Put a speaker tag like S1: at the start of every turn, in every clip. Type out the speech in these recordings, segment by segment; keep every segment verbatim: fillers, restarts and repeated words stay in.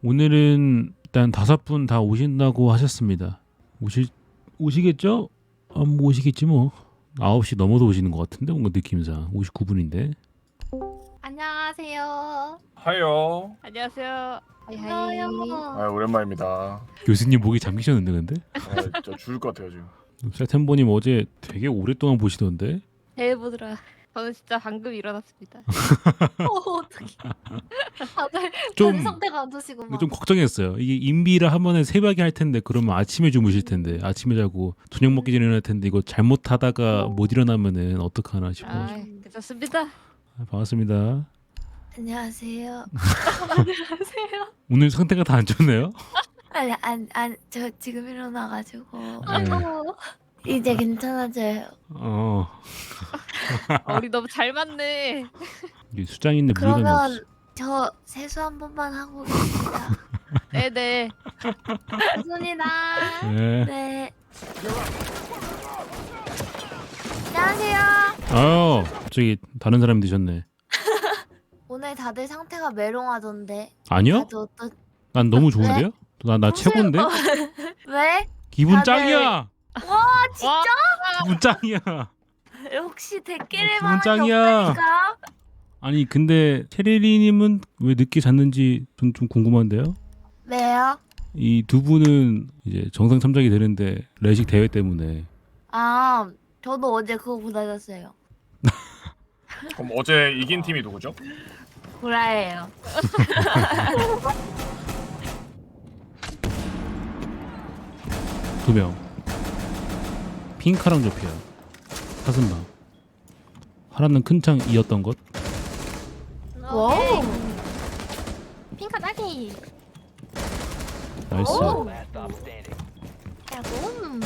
S1: 오늘은 일단 다섯 분 다 오신다고 하셨습니다. 오시 오시겠죠? 안 오시겠지 뭐. 아홉 시 넘어도 오시는 것 같은데 뭔가 느낌상 오십구 분인데.
S2: 안녕하세요.
S3: 하요.
S4: 안녕하세요.
S2: 하이.
S3: 아 오랜만입니다.
S1: 교수님 목이 잠기셨는데 근데?
S3: 아, 저 죽을 것 같아요 지금.
S1: 세템보님 어제 되게 오랫동안 보시던데?
S2: 잘 보더라.
S4: 저는 진짜 방금 일어났습니다.
S2: 어, 어떡해. 다들
S1: 좀-
S2: 다들 상태가 안 좋으시고
S1: 근데
S2: 막.
S1: 좀 걱정했어요. 이게 인비를 한 번에 새벽에 할 텐데 그러면 아침에 주무실 텐데 아침에 자고 저녁 먹기 전에 일어날 텐데 이거 잘못하다가 못 일어나면은 어떡하나 싶어.
S4: 아,
S1: 아,
S4: 괜찮습니다.
S1: 반갑습니다.
S2: 안녕하세요. 안녕하세요.
S1: 오늘 상태가 다 안 좋네요.
S2: 아니 안안저 지금 일어나가지고
S1: 네.
S2: 아이고 이제 괜찮아져요.
S1: 어,
S4: 어, 우리 너무 잘 맞네.
S1: 이게 수장인데 물건이 없어.
S2: 그러면 저 세수 한 번만 하고 계십니다.
S4: 네네.
S2: 손이다.
S1: 네.
S2: 네. 안녕하세요.
S1: 아유, 갑자기 다른 사람이 드셨네.
S2: 오늘 다들 상태가 메롱하던데.
S1: 아니요?
S2: 다들 어떤
S1: 난 너무 좋은데요? 나, 나 최고인데?
S2: 왜?
S1: 기분
S2: 다들-
S1: 짱이야!
S2: 와 진짜?
S1: 기분 짱이야!
S2: 역시 댓글에
S1: 기분
S2: 마음이
S1: 짱이야.
S2: 없다니까.
S1: 아니, 근데 체리리님은 왜 늦게 잤는지 좀, 좀 궁금한데요?
S2: 왜요?
S1: 이 두 분은 이제 정상 참작이 되는데 레식 대회 때문에
S2: 아 저도 어제 그거 보다녔어요.
S3: 그럼 어제 이긴 팀이 누구죠?
S2: 구라예요.
S1: 두 명. 핑카랑 조피아. 사슴방. 하나는 큰 창 이었던 것.
S2: 와우.
S4: 핑카 딸기.
S1: 나이스.
S2: 오.
S4: 야곰.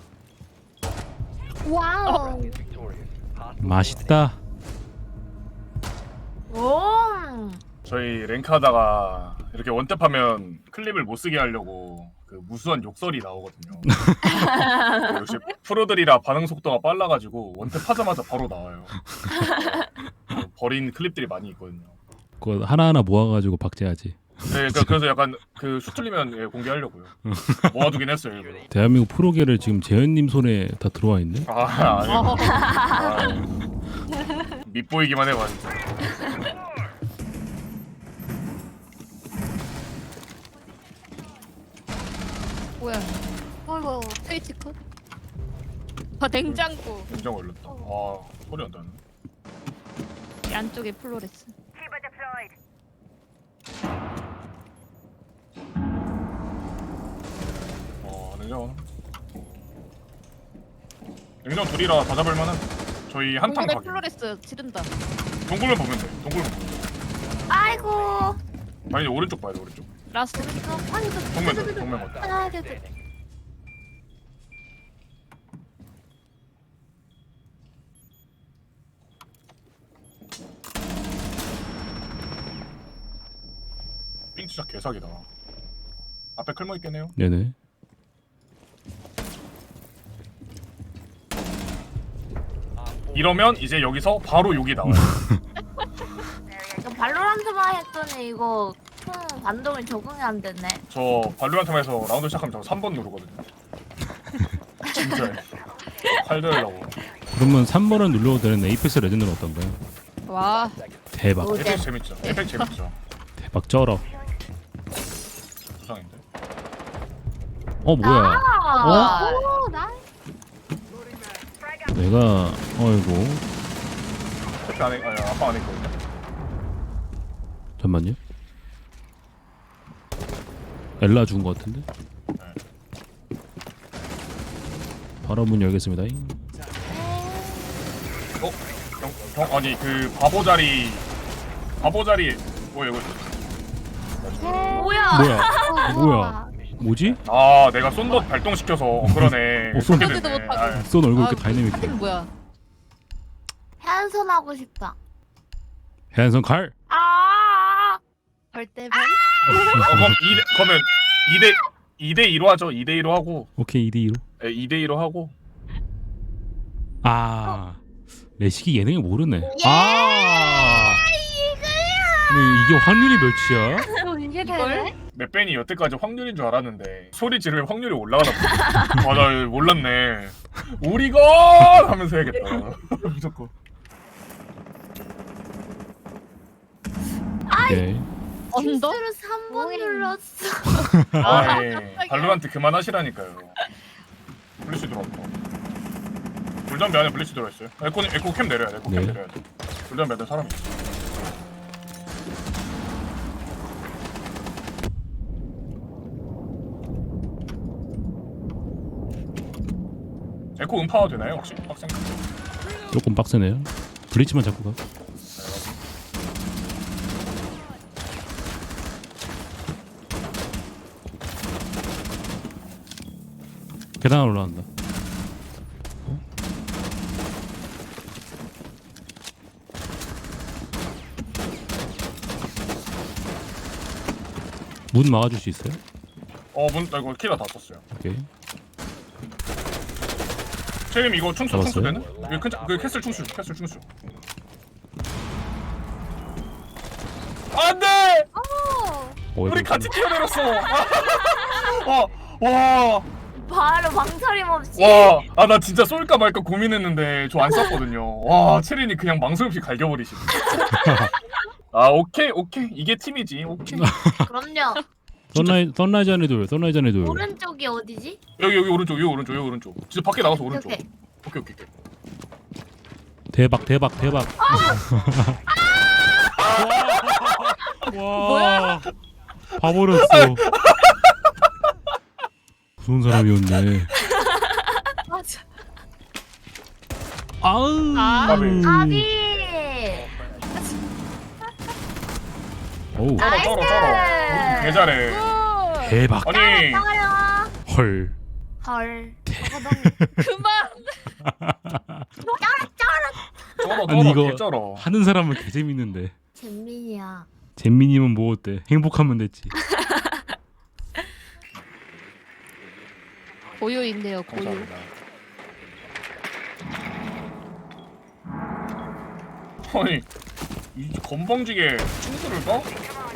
S2: 와우.
S1: 맛있다.
S2: 오.
S3: 저희 랭크하다가 이렇게 원탭하면 클립을 못 쓰게 하려고 그 무수한 욕설이 나오거든요. 그 역시 프로들이라 반응 속도가 빨라가지고 원탭하자마자 바로 나와요. 그 버린 클립들이 많이 있거든요.
S1: 그거 하나하나 모아가지고 박제하지.
S3: 네, 그러니까 그래서 약간 그 수틀리면 예, 공개하려고요. 모아두긴 했어요 일부러.
S1: 대한민국 프로계를 지금 재현님 손에 다 들어와 있네.
S3: 아, 아니요. 아, 밑보이기만 해봐 진짜.
S4: 뭐야?
S2: 어이구.
S4: 스위치 컷. 아 냉장고.
S3: 굉장히 올렸다. 아, 소리 안 나네.
S4: 이 안쪽에 플로레스.
S3: 어, 냉장고. 냉장 둘이라 다 잡을 만한. 저희 한탕
S4: 동굴에
S3: 가게.
S4: 플로레스 지른다.
S3: 동굴만 보면 돼. 동굴만 보면 돼.
S2: 아이고.
S3: 아니 오른쪽 봐야 돼 오른쪽.
S4: 라스트.
S2: 이거 아니 저
S3: 정면 봐, 정면 봐.
S2: 하나 둘 셋.
S3: 삥 진짜 개사기다. 앞에 클모 있겠네요.
S1: 네네.
S3: 이러면 이제 여기서 바로 욕이 나와요.
S2: 이거 발로란트만 했더니 이거 총 반동이 적응이 안 되네.
S3: 저 발로란트에서 라운드 시작하면 저 삼 번 누르거든요. 진짜. 팔 들으려고.
S1: 그러면 삼 번을 눌러도 되는 에이펙스 레전드는 어떤가요?
S4: 와.
S1: 대박.
S2: 오.
S3: 에펙 재밌죠. 에펙 재밌죠.
S1: 대박 쩔어.
S3: 부상인데.
S1: 어 뭐야?
S2: 아.
S4: 오, 나.
S1: 내가 어이구.
S3: 에펙 안에 아니 아빠 안에 있거든요.
S1: 잠만요. 엘라 죽은 것 같은데? 바로 문 열겠습니다.
S3: 어? 경, 경 아니 그 바보 자리 바보 자리 뭐야 이거?
S2: 뭐야?
S1: 뭐야? 뭐야? 뭐지?
S3: 아 내가 쏜덧 발동시켜서 어, 그러네.
S1: 어, 쏜-
S3: 그렇게
S4: 쏜덧도
S3: 되네.
S4: 못하고.
S3: 아유.
S1: 쏜 얼굴 이렇게
S4: 아,
S1: 다이내믹해.
S4: 하긴 뭐야?
S2: 해안선 하고 싶다.
S1: 해안선 갈.
S2: 아.
S4: 절대
S3: 어, 그럼 이 그러면 이 대 이 대 이로 하죠. 이 대 이로 하고
S1: 오케이 이 대 이로.
S3: 예, 이 대 이로 하고
S1: 아 레식이 예능을 모르네. 아. 근데 이게 확률이 몇이야?
S2: 이게
S4: 이걸?
S2: 되네?
S3: 맵벤이 여태까지 확률인 줄 알았는데 소리 지르면 확률이 올라가나 보다. 아, 나 몰랐네. 오리건 하면서 해야겠다. 무조건.
S1: 오케이.
S4: 언더?
S2: 실수로 삼 번
S4: 오잉.
S2: 눌렀어.
S3: 아이,
S4: 깜짝이야.
S3: 발로란트 그만하시라니까요. 블리츠 들어왔다. 불담배 안에 블리츠 들어있어요. 에코 에코 캠 내려야 돼. 에코 캠
S1: 네.
S3: 내려야 돼. 불담배 안에 사람이 있어. 에코 음파가 되나요 혹시? 학생?
S1: 조금 빡세네요. 블리츠만 잡고 가. 계단 올라간다. 어? 문 막아줄 수 있어요?
S3: 어, 문, 나 이거 키가 다 썼어요.
S1: 오케이.
S3: 채림 이거 충수 충수
S1: 잡았어요?
S3: 되는? 그, 큰- 그 캐슬 충수, 캐슬 충수. 안돼!
S2: 어,
S3: 우리 같이 뛰어내렸어. 와, 와,
S2: 바로 망설임 없이.
S3: 와. 아, 나 진짜 쏠까 말까 고민했는데 저 안 쐈거든요. 와, 채린이 그냥 망설 없이 갈겨버리시네. 아, 오케이, 오케이. 이게 팀이지. 오케이.
S2: 그럼요.
S1: 선라이 선라이즈 안에 돌, 선라이즈 안에 돌.
S2: 오른쪽이 어디지?
S3: 여기 여기 오른쪽, 여기 오른쪽, 여기 오른쪽. 진짜 밖에 나가서 오른쪽.
S2: 오케이.
S3: 오케이, 오케이, 오케이.
S1: 대박, 대박, 대박. 와,
S4: 뭐야?
S1: 봐버렸어. 무서운 사람이었네.
S2: 맞아.
S1: 아우.
S4: 아.
S3: 까비.
S2: 까비.
S1: 어우,
S3: 쩔어, 쩔어, 쩔어. 개 잘해.
S4: 굿!
S1: 대박.
S3: 아니,
S2: 따가요.
S1: 헐.
S2: 헐.
S4: 그만!
S3: 쩔어,
S1: 아니,
S3: 쩔어,
S1: 이거-
S3: 개 쩔어.
S1: 하는 사람은 개 재밌는데.
S2: 잼민이야.
S1: 잼민이면 뭐 어때? 행복하면 됐지.
S4: 고요인데요, 고요.
S3: 감사합니다. 아니, 이 건방지게 충수를 까?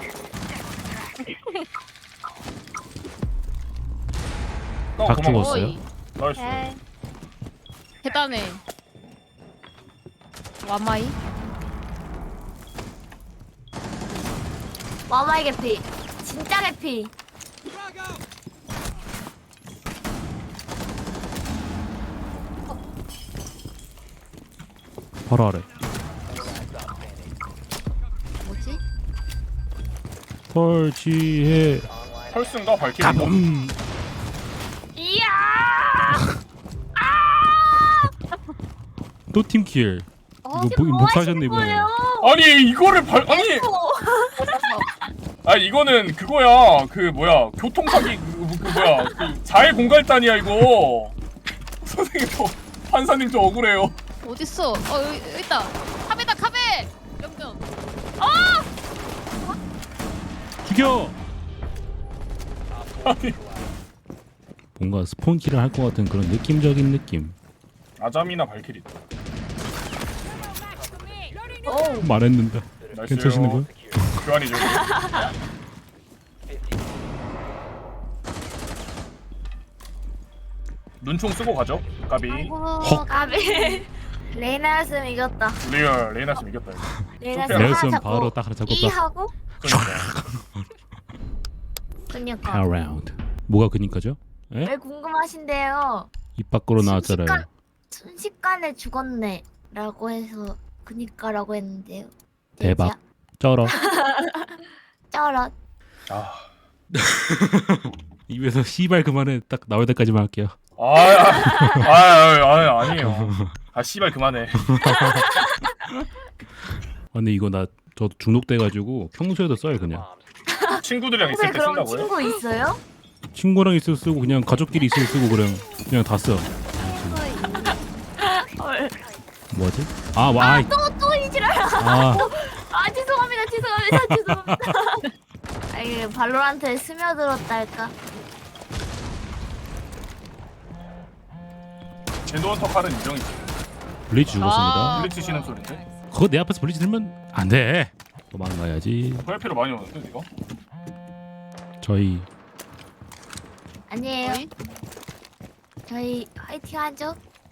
S3: 까
S1: 각
S3: 고마워.
S1: 죽었어요?
S4: 어이,
S3: 나이스.
S2: 네.
S4: 계단에. 와마이?
S2: 와마이 개피. 진짜 개피.
S1: 바로 아래.
S2: 뭐지?
S1: 설치해.
S3: 펄슨가 발키리.
S1: 가봄.
S2: 이야!
S1: 또 팀킬.
S4: 어,
S1: 이거 뭐, 목사하셨네 이번에.
S2: 뭐예요?
S3: 아니 이거를 발 아니 아니 이거는 그거야 그 뭐야 교통사기 그, 그 뭐야 그 자해 공갈단이야 이거. 선생님 저 판사님 저 억울해요.
S4: 어딨어? 어, 여기, 여기 있다. 카베다, 카베! 영전.
S1: 죽여.
S3: 아니
S1: 뭔가 스폰키를 할 것 같은 그런 느낌적인 느낌.
S3: 아잠이나 발키리.
S2: 오.
S1: 말했는데.
S3: 나이스요.
S1: 괜찮으시는 거야?
S3: 교환이죠. 눈총 쓰고 가죠. 까비.
S2: 아이고, 까비. 레이나였으면 이겼다.
S3: 리얼 레이나스 이겼다 이거.
S2: 레이나였으면 하나
S1: 넬슨
S2: 잡고
S1: 바로 딱 하나 잡고
S2: 이
S1: 딱
S2: 하고
S3: 그러니까.
S2: 그니까
S1: around. 뭐가 그니까죠? 에?
S2: 왜 궁금하신데요?
S1: 입 밖으로 나왔잖아요.
S2: 순식간, 순식간에 죽었네 라고 해서 그니까라고 했는데요.
S1: 대박. 쩔어.
S2: 쩔어.
S3: 아.
S1: 입에서 씨발 그만해 딱 나올 때까지만 할게요.
S3: 아, 아, 아, 아, 아니에요. 아, 씨발 그만해.
S1: 아, 근데 이거 나 저도 중독돼가지고 평소에도 써요 그냥.
S3: 친구들이랑 있을
S2: 평소에
S3: 때
S2: 그럼
S3: 쓴다고요?
S2: 친구 있어요?
S1: 친구랑 있을 때 쓰고 그냥 가족끼리 있을 때 쓰고 그냥 그냥 다 써.
S2: 헐.
S1: 뭐지? 아, 와. 아이.
S2: 또또 이지랄.
S1: 아,
S2: 아 죄송합니다 죄송합니다 죄송합니다. 아 이게 발로란트에 스며들었달까?
S3: 젠도원터 칼은 인정이지.
S1: 블리츠 죽었습니다.
S4: 아.
S3: 블리츠 치는 소리인데?
S1: 그거 내 앞에서 블리츠 들면 안 돼. 도망가야지.
S3: 도얄피로 많이 오는데 이거?
S1: 저희
S2: 아니에요.
S4: 어이?
S2: 저희 화이팅 하죠.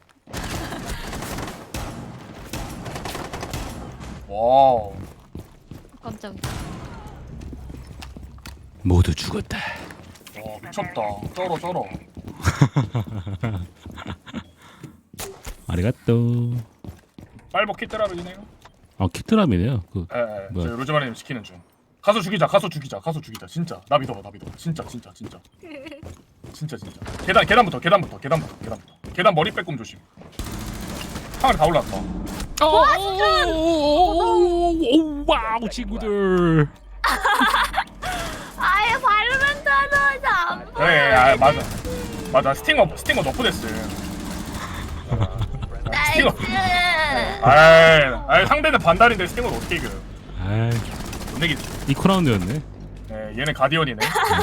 S3: 와우.
S4: 깜짝이야.
S1: 모두 죽었다.
S3: 와 미쳤다. 쩔어 쩔어.
S1: 아리가또.
S3: 빨버 키트라면이네요.
S1: 아 키트람이네요. 그
S3: 예, 예.
S1: 뭐야?
S3: 저 로즈마리님 시키는 중. 가서 죽이자, 가서 죽이자, 가서 죽이자. 진짜 나 믿어봐, 나 믿어. 진짜, 진짜, 진짜. 진짜, 진짜. 계단, 계단부터, 계단부터, 계단부터, 계단부터. 계단 머리 빼꼼 조심. 하늘에 다 올라왔다.
S1: 오, 와우 친구들.
S2: 아예 발로란트 하자마자 안 보여.
S3: 그래, 아, 맞아, 맞아. 스팅어, 스팅어 너프데스. 스팅어.
S2: 나이스.
S3: 아이, 아이 상대는 반달인데 스팅어를 어떻게 이겨?
S1: 아,
S3: 못 내기지.
S1: 이코 라운드였네.
S3: 예, 얘는 가디언이네.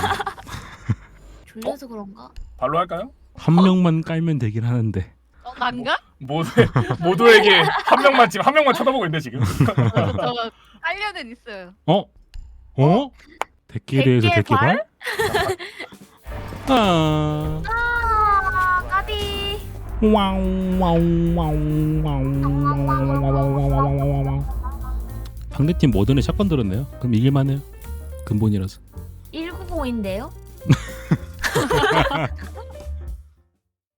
S2: 졸려서 그런가?
S3: 발로 할까요?
S1: 한 명만 깔면 되긴 하는데.
S4: 어, 난가?
S3: 모두 모두에게 한 명만 지금 한 명만 쳐다보고 있네 지금.
S4: 저 깔려는 있어요.
S1: 어? 어? 대끼리에서
S2: 대끼의
S1: 대끼발? 아.
S2: 아 까비.
S1: 와우 와우 와우 와우. 상대팀 모든에 샷건 들었네요. 그럼 이길만해요. 근본이라서.
S2: 일구공인데요?